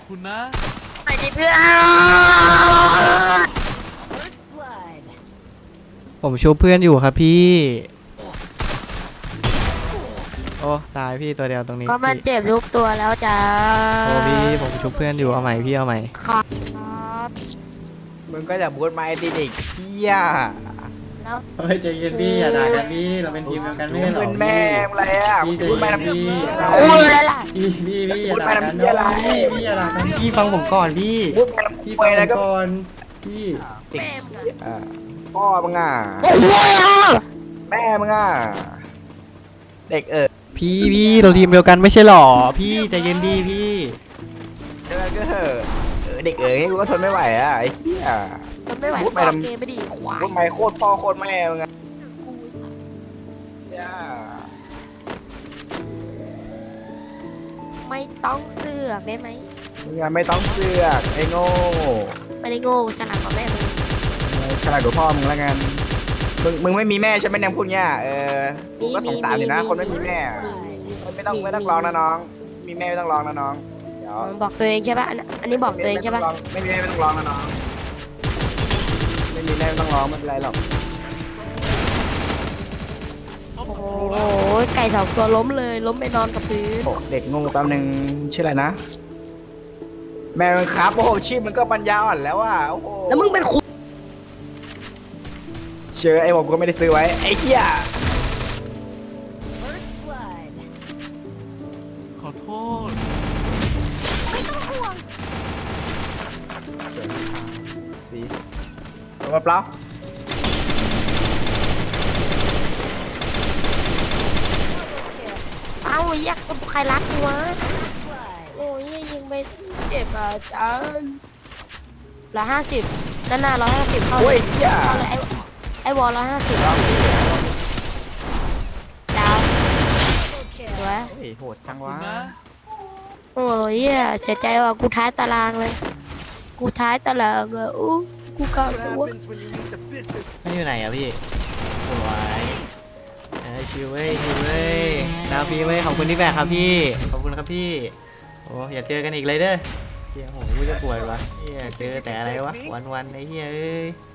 คุณนะไปดิเพื่อนผมชูเพื่อนอยู่ครับพี่โอ้ตายพี่ตัวเดียวตรงนี้ก็มันพี่เจ็บทุกตัวแล้วจ้าโอ้พี่ผมชูเพื่อนอยู่เอาใหม่พี่เอาใหม่ครับมึงก็จะบูทไม้ดิเด็กเที่ยแล้วเฮ้ยใจเย็นพี่อย่าด่ากันพี่เราเป็นทีมเดียวกันไม่ใช่หรอเป็นแม่อะไรอ่ะพี่ใจบูทไม้เย็นน้ำพี่โอ้ยอะไรล่ะพี่อย่าด่ากันนะพี่อย่าด่ากันพี่ฟังผมก่อนพี่บูทไม้พี่น้ำฟังผแล้วมก็ก่อนพี่เด็กแม่มึงอ่ะพ่อมึงอ่ะโอ้ยอ่ะแม่มึงอ่ะเด็กพี่เราทีมเดียวกันไม่ใช่หรอพี่ใจเย็นดีพี่แล้วก็เด็กให้กูก็ทนไม่ไหวอ่ะไอ้เหี้ยทนไม่ไหวพูดไปต่อทำเกมไม่ดีควายบูทไม้โคตรพ่อโคตรแม่มึงอ่ะกูสัตว์เนี่ยไม่ต้องเสือกได้ไหมมึงอ่ะไม่ต้องเสือกไอ้โง่ไม่ได้โง่ฉลาดกว่าแม่มึงฉลาดกว่าพ่อมึงแล้วกันมึงไม่มีแม่ใช่ไหมเนี่ยพูดเงี้ยกูก็สงสารอยู่นะคนไม่มีแม่ไม่ต้องร้องนะน้อง มีแม่ไม่ต้องร้องนะน้องเดี๋ยวบอกตัวเองใช่ป่ะอันนี้บอกตัวเองใช่ป่ะไม่มีแม่ไม่ต้องร้องนะน้องไม่มีแม่ไม่ต้องร้องไม่เป็นไรหรอกโอ้โหไก่สองตัวล้มเลยล้มไปนอนกับพื้นโอ้เด็กงงแป๊บนึงชื่ออะไรนะแม่มันครับโอ้โหชื่อมันก็ปัญญาอ่อนแล้วอ่ะโอ้โหแล้วมึงเป็นคุเชื่อไอ้ผมก็ไม่ได้ซื้อไว้ไอ้เหี้ยขอโทษสีลงมาเปล่าเอ้าแยกใครรักกูวะโอ้ยยิงไปเจ็บอ่ะจ้า150ด้านหน้า150เข้าโอ้เลย ยเหี้ยเข้าเลยไอ้วอล150ดาวสวยเฮ้ยโหดจังคุวะณนะโอ้ยเสียใจว่ะกูท้ายตารางเลยกูท้ายตารางอ่ะอู้กูเก่าตัวไม่อยู่ไหนอะพี่สวยชิวเว้ยชิวเว้ยดาวฟีเว้ยขอบคุณที่แบกครับพี่ขอบคุณครับพี่โอ้อย่าเจอกันอีกเลยเด้อเฮียโหกูจะปวดวะเฮียเจอแต่อะไรวะวันๆไอ้เฮียเอ้ย